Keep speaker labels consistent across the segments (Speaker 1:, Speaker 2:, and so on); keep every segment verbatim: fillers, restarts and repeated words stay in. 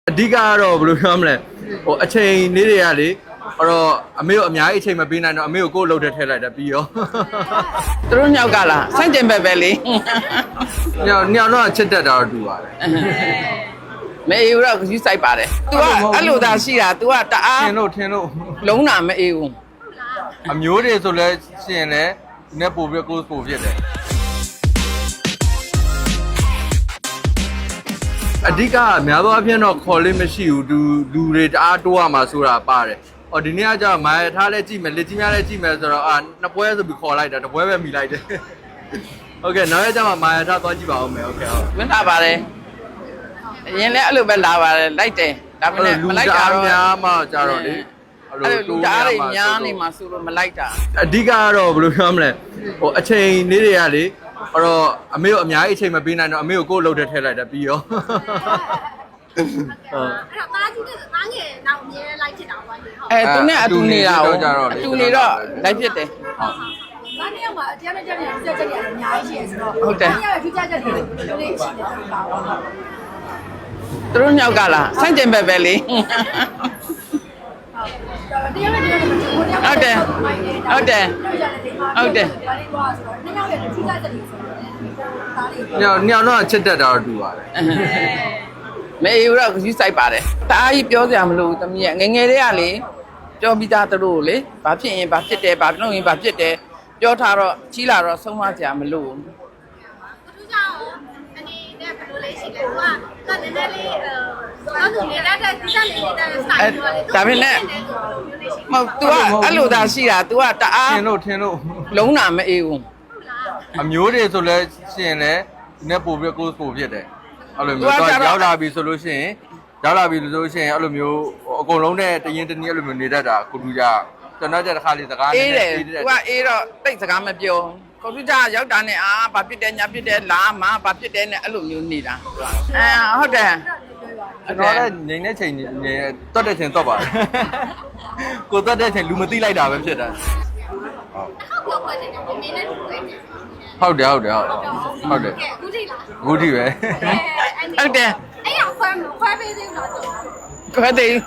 Speaker 1: အဓိကတော့ဘယ်လိုပြောမလဲဟိုအချိန်လေးတွေကလေအဲ့တော့အမေတို့အများကြီးအချိန်မပေးနိုင်တော့အမေကိုကိုယ်လှုပ်တဲ့ထည့်လိုက်တာပြီးရော
Speaker 2: သူတို့ညောက်ကလားဆန့်ကျင်ဘက်ပဲလေ
Speaker 1: ညောင်ညောင်တော့ချစ်တတ်တာတော့တူပါတယ်
Speaker 2: မအေးဘူးတော့ယူဆိုင်ပါတယ် तू ကအဲ့လိုသာရှိတာ तू ကတအား
Speaker 1: ထင်လို့ထင်လို့
Speaker 2: လုံးတာမအေးဘူး
Speaker 1: အမျိုးတွေဆိုလဲရှင်လဲနဲ့ပို့ပြီးကိုယ်ပို့ဖြစ်တယ်အဓိကများသောအားဖြင့်တော့ခေါ်လေးမရှိဘူးလူလူတွေတအားတိုးရမှာဆိုတာပါတယ်။အော်ဒီနေ့ကကျတော့မိုင်ထားလဲကြည့်မယ်လက်ကြီးများလဲကြည့်မယ်ဆိုတော့အာနှစ်ပွဲဆိုပြီးခေါ်လိုက်တာတစ်ပွဲပဲမိလိုက်တယ်။ Okay နောက်ရကျမှမိုင်ထားသွားကြည့်ပါဦးမယ်။ Okay ဟုတ်
Speaker 2: ။ဝင်လာပါတယ်။အရင်လည်းအဲ့လိုပဲလာပါတယ်လိုက်တယ်။ဒါပေမဲ့မလိုက်တာတော့
Speaker 1: များမှကြတော့လေ
Speaker 2: အဲ့လိုလူသားတွေများနေမှာဆိုလို့မလိုက်တာ
Speaker 1: ။အဓိကကတော့ဘယ်လိုပြောမလဲဟိုအချိန်လေးတွေကလေအဲ့တော့အမေတို့အများကြီးအချိန်မပေးနိုင်တော့အမေကိုကိုယ်လှုပ်တဲ့ထည့်လိုက်တာပြီးရော
Speaker 3: ဟုတ်အဲ့တော့တားကြီးနဲ့တားငယ်တော့အမြဲလိုက်ဖြစ်တာပါလေဟုတ်
Speaker 2: အဲသူနဲ့အတူနေတာအတူနေတော့လိုက်ဖြစ်တယ်
Speaker 3: ဟုတ်တားနေရောက်မှာတရားနဲ့တရားနဲ့ပြည့်ချက်တွေအများကြီးရှိရဆိုတော့
Speaker 2: ဟုတ်တယ်
Speaker 3: တရားရဲ့ပြည့်ချက်တွေလေးရှိတယ်ပါပါ
Speaker 2: သူတို့ညောက်ကလားဆန့်ကျင်ဘက်ပဲလေ
Speaker 3: တရားနဲ့တရားနဲ့
Speaker 2: ဟုတ်တယ်ဟုတ်တယ်ဟုတ်တယ်
Speaker 1: ညောင်ညောင်တော့ချစ်တတ်တာတော့တူပါတယ်
Speaker 2: မအေးဘူးတော့ယူဆိုင်ပါတယ်တအားကြီးပြောစရာမလိုဘူးတမီးငငယ်လေးကလေပြောပြီးသားသူတို့လေဘာဖြစ်ရင်ဘာဖြစ်တယ်ဘာလုပ်ရင်ဘာဖြစ်တယ်ပြောထားတော့ကြီးလာတော့ဆုံးမစရာမလိုဘူး
Speaker 3: သူကြောင့်အနေနဲ့ဘယ်လိုလဲရှိလဲသူကကနည်းနည်းလေးအဲတော့သူနေတဲ့တဲ့သူကနေတဲ့ style တွေလေ
Speaker 2: ဒါပေမဲ့မဟုတ် तू ကအဲ့လိုသာရှိတာ तू ကတအား
Speaker 1: ထင်လို့ထင်လို့
Speaker 2: လုံးတာမအေးဘူး
Speaker 1: အမျိုးတွေဆိုလဲရှင်လဲနဲ့ပို့ပြီးကိုယ်ပို့ဖြစ်တယ်အဲ့လိုမျိုးတော့ရောက်လာပြီဆိုလို့ရှိရင်ရောက်လာပြီလို့ဆိုရှင်အဲ့လိုမျိုးအကုန်လုံးနဲ့တရင်တနည်းအဲ့လိုမျိုးနေတတ်တာကိုတူကြကျွန်တော်ကြတစ်ခါလေးစကားနဲ့
Speaker 2: အေးတယ် तू ကအေးတော့တိတ်စကားမပြောကွန်ပျူတာရောက်တာနဲ့အာဘာဖြစ်တယ်ညာဖြစ်တယ်လာမဘာဖြစ်တယ်နဲ့အဲ့လိုမျိုးနေတာအဲဟုတ်တယ်
Speaker 1: ကျွန်တော်လည်းငိမ့်တဲ့ချိန်နေတွတ်တဲ့ချိန်တွတ်ပါတယ်ကိုတွတ်တဲ့ချိန်လူမသိလိုက်တာပဲဖြစ်တာ
Speaker 3: ဟုတ်ဟုတ်ပြောပါတယ်မင်းနဲ့တူတယ်
Speaker 1: ဟုတ်တယ်ဟုတ်တယ်ဟုတ်တယ်
Speaker 3: အခုထိလား
Speaker 1: အခုထိပဲ
Speaker 2: ဟုတ်တယ်
Speaker 3: အဲ့ရခွဲခွဲပေးသေးလား
Speaker 2: ခွဲသေး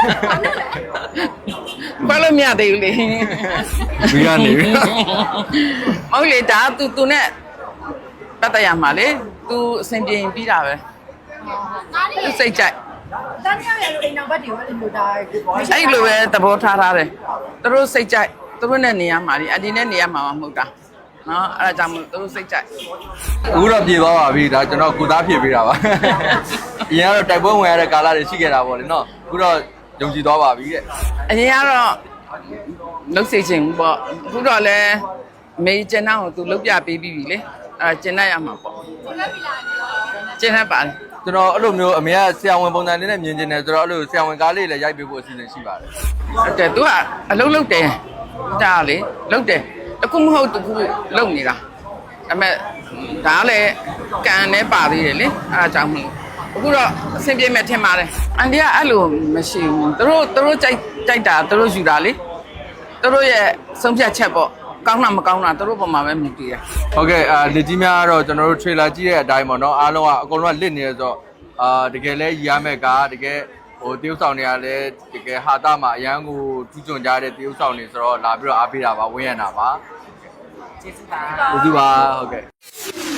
Speaker 2: ခွဲလို့မရသေးဘူးလေ
Speaker 1: ဘီကနေပြီ
Speaker 2: မဟုတ်လေဒါ तू तू နဲ့ပတ်သက်ရမှာလေ तू အဆင်ပြေရင်ပြီးတာပဲသူစိတ်ကြိုက်
Speaker 3: တန်းရရလို့အိမ်နောက်ဘက်တွေအဲ့လိုဒါ
Speaker 2: အဲ့လိုပဲသဘောထားထားတယ်သူတို့စိတ်ကြိုက်သူတို့နဲ့နေရမှာလေအဒီနဲ့နေရမှာမဟုတ်တာနော်အဲ့ဒါကြောင့်မို့သူတို့စိတ်ကြိုက်
Speaker 1: အခုတော့ပြေသွားပါပြီဒါကျွန်တော်ကိုသားဖြည့်ပေးတာပါအရင်ကတော့တိုက်ပွဲဝင်ရတဲ့ကာလတွေရှိခဲ့တာပေါ့လေနော်အခုတော့ယုံကြည်သွားပါပြီတဲ့အ
Speaker 2: ရင်ကတော့လုတ်စိတ်ချင်းပေါ့အခုတော့လည်းမေကျန်တော့သူလုတ်ပြပေးပြီးပြီလေအဲ့ကျန်တတ်ရမှာပေါ့ကျန်တတ်ပါလေ
Speaker 1: ကျွန်တော်အဲ့လိုမျိုးအမေကဆရာဝန်ပုံစံလေးနဲ့မြင်ကျင်တယ်ဆိုတော့အဲ့လိုဆရာဝန်ကားလေးလည်းရိုက်ပေးဖို့အစီအစဉ်ရှိပါတယ်
Speaker 2: ဟုတ်တယ်သူကအလုံးလုံးတယ်ဒါလေလုံးတယ်တခုမဟုတ်တခုလုံးနေတာဒါပေမဲ့ဒါလည်းကန်နဲ့ပါသေးတယ်လေအဲ့ဒါကြောင့်မလို့အခုတော့အဆင်ပြေမဲ့ထင်ပါတယ်အန်ဒီကအဲ့လိုမရှိဘူးသူတို့သူတို့ကြိုက်ကြိုက်တာသူတို့ယူတာလေသူတို့ရဲ့ဆုံးဖြတ်ချက်ပေါ့ကောင်းတာမကောင်းတာသူတို့ပုံမှာပဲမြင်ကြည့်ရ
Speaker 1: ဟုတ်ကဲ့အာလက်ကြီးများကတော့ကျွန်တော်တို့ trailer ကြည့်တဲ့အတိုင်းပေါ့နော်အားလုံးကအကုန်လုံးကလစ်နေရဆိုတော့အာတကယ်လဲရရမဲ့ကတကယ်ဟိုတရုပ်ဆောင်တွေကလည်းတကယ်ဟာတာမှာအရန်ကိုထူးချွန်ကြတဲ့တရုပ်ဆောင်တွေဆိုတော့လာပြီးတော့အားပေးတာပါဝင်းရတာပါ
Speaker 2: ကျေးဇူးပါ
Speaker 1: ကျေးဇူးပါဟုတ်ကဲ့